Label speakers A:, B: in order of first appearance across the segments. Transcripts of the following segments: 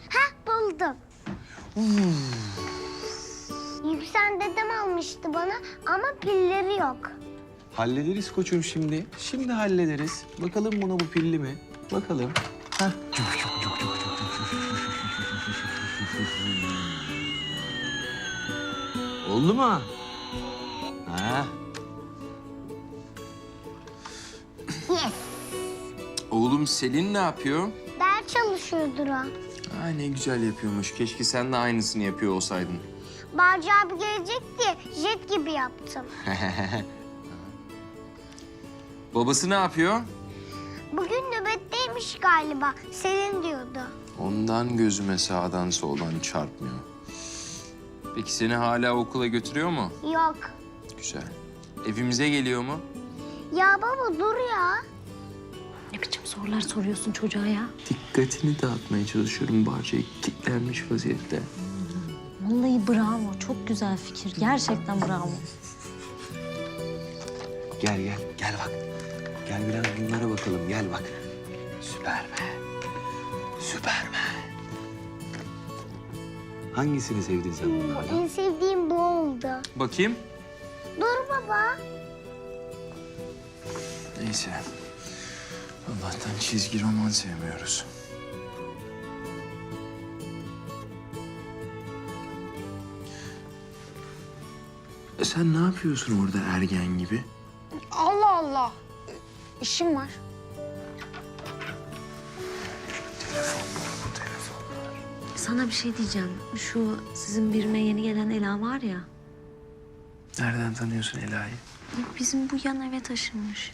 A: Buldum. Yüksel dedem almıştı bana ama pilleri yok.
B: Hallederiz koçum şimdi. Şimdi hallederiz. Bakalım buna bu pilli mi? Bakalım. Hah. Oldu mu? Ha.
A: Yes.
C: Oğlum Selin ne yapıyor?
A: Ders çalışıyordur o.
C: Aa, ne güzel yapıyormuş. Keşke sen de aynısını yapıyor olsaydın.
A: Barcı abi gelecek diye jet gibi yaptım.
C: Babası ne yapıyor?
A: Bugün nöbetteymiş galiba. Selin diyordu.
C: Ondan gözüme sağdan soldan çarpmıyor. Peki seni hala okula götürüyor mu?
A: Yok.
C: Güzel. Evimize geliyor mu?
A: Ya baba dur ya.
D: Ne biçim sorular soruyorsun çocuğa ya?
C: Dikkatini dağıtmaya çalışıyorum. Bahçeye kilitlenmiş vaziyette.
D: Vallahi bravo. Çok güzel fikir. Gerçekten bravo.
B: Gel gel. Gel bak. Gel biraz bunlara bakalım. Gel bak. Süpermen. Süpermen. Hangisini sevdin sen bunlardan?
A: En sevdiğim bu oldu.
C: Bakayım.
A: Dur baba.
C: Neyse. Allah'tan çizgi roman sevmiyoruz. Sen ne yapıyorsun orada ergen gibi?
E: Allah Allah. İşim var.
D: Sana bir şey diyeceğim. Şu sizin birime yeni gelen Ela var ya.
C: Nereden tanıyorsun Ela'yı?
D: Bizim bu yan eve taşınmış.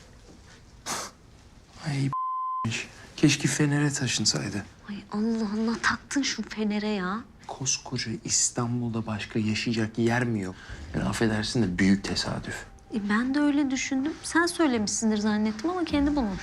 C: Ay keşke Fener'e taşınsaydı.
D: Ay Allah Allah taktın şu fenere ya.
C: Koskoca İstanbul'da başka yaşayacak yer mi yok? Yani affedersin de büyük tesadüf.
D: Ben de öyle düşündüm. Sen söylemişsindir zannettim ama kendi bulmuş.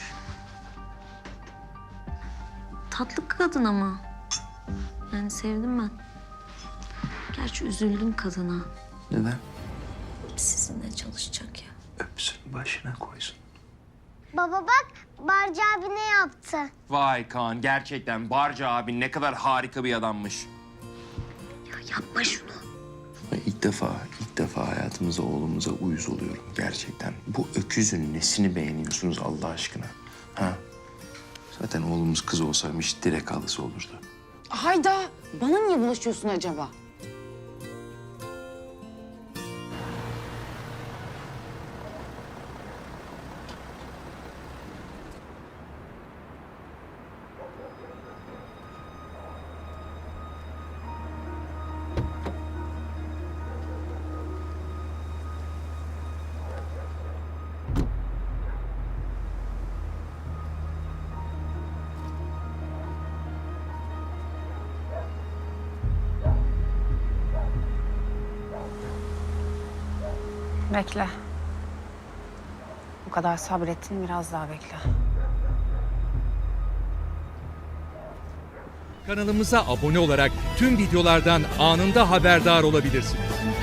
D: Tatlı kadın ama. Yani sevdim ben. Gerçi üzüldüm kadına.
C: Neden?
D: Sizinle çalışacak ya.
C: Öpsün başına koysun.
A: Baba bak Barcı abi ne yaptı?
C: Vay Kaan gerçekten Barca abi ne kadar harika bir adammış.
D: Ya yapma şunu.
C: İlk defa hayatımıza oğlumuza uyuz oluyorum gerçekten. Bu öküzün nesini beğeniyorsunuz Allah aşkına? Ha? Zaten oğlumuz kız olsaymış direkt halısı olurdu.
E: Hayda. Bana niye bulaşıyorsun acaba? Bekle. Bu kadar sabrettin, biraz daha bekle.
F: Kanalımıza abone olarak tüm videolardan anında haberdar olabilirsiniz.